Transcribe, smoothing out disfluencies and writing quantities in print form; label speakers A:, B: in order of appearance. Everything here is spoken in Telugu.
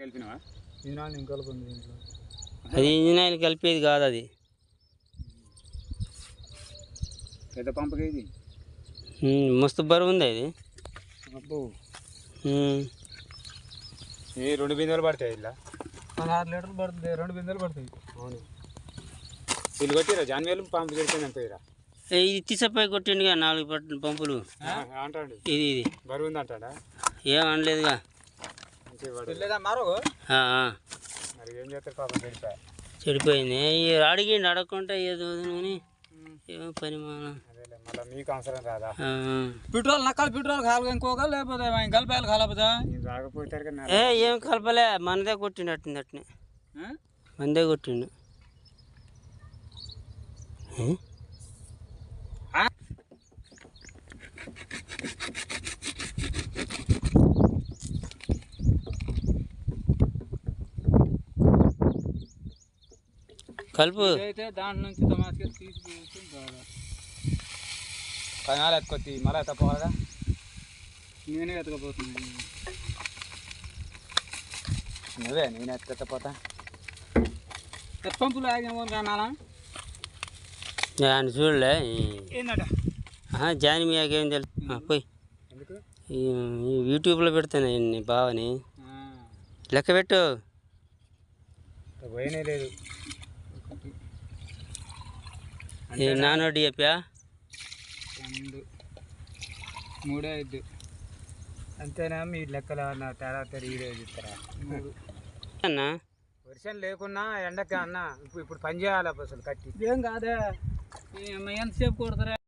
A: కలిపినవా?
B: అది ఇంజిన్ ఆయిల్ కలిపేది కాదు, అది
A: పెద్ద పంపకి ఇది
B: మస్తు బరువు ఉంది అది.
A: అబ్బో ఏ 2 బిందెలు పడతాయి ఇలా?
C: 6 లీటర్లు పడుతుంది, 2 బిందెలు పడతాయి.
A: అవును. వీళ్ళు కొట్టిరా జాన్వేలు పంపు చెడిపోయింది అంతేరా.
B: ఇది తీసపోయి కొట్టిండుగా 4 పంపులు
A: అంటాడు.
B: ఇది ఇది
A: బరువు ఉంది అంటాడా?
B: ఏం అనలేదుగా.
A: మరి ఏం చేస్తారు పాపం చెడిపోయా.
B: చెడిపోయింది. అడిగిండు, అడగకుండా ఏదో కానీ ఏమో పరిమాణం.
A: అదేలే, మళ్ళీ మీకు అవసరం రాదా?
C: పెట్రోల్ నక్కలు పెట్రోల్ కావాలి ఇంకోగా, లేకపోతే కలిపేయాలి కాలపోతే
A: రాకపోతారు కదా.
B: ఏం కలపలే, మనదే కొట్టిండు అట్టింది అట్నే, మనదే కొట్టిండు. కలుపు
C: అయితే దాంట్లో నుంచి తమాస్కి తీసుకు కనాలు ఎత్తుకొచ్చి మళ్ళీ ఎత్తపోవాలా? నేనే ఎత్తకపోతున్నాను.
A: నేను ఎత్తపోతా.
C: పంపులు ఆగేమో రానాలా?
B: ఆయన చూడలే
C: ఏందట
B: జాని మీకేం తెలుసు. పోయి యూట్యూబ్లో పెడతాను బావని, లెక్క పెట్టు.
A: పోయినే లేదు.
B: నానోటి చెప్పా
C: 2 3 5
A: అంతేనా? మీ లెక్కలు అన్న తేడా తిరిగి ఇస్తారా
B: అన్నా?
A: వర్షం లేకున్నా ఎండకి అన్న ఇప్పుడు పని చేయాలి అసలు కట్టి.
C: ఏం కాదే, ఎంతసేపు కొడతారా?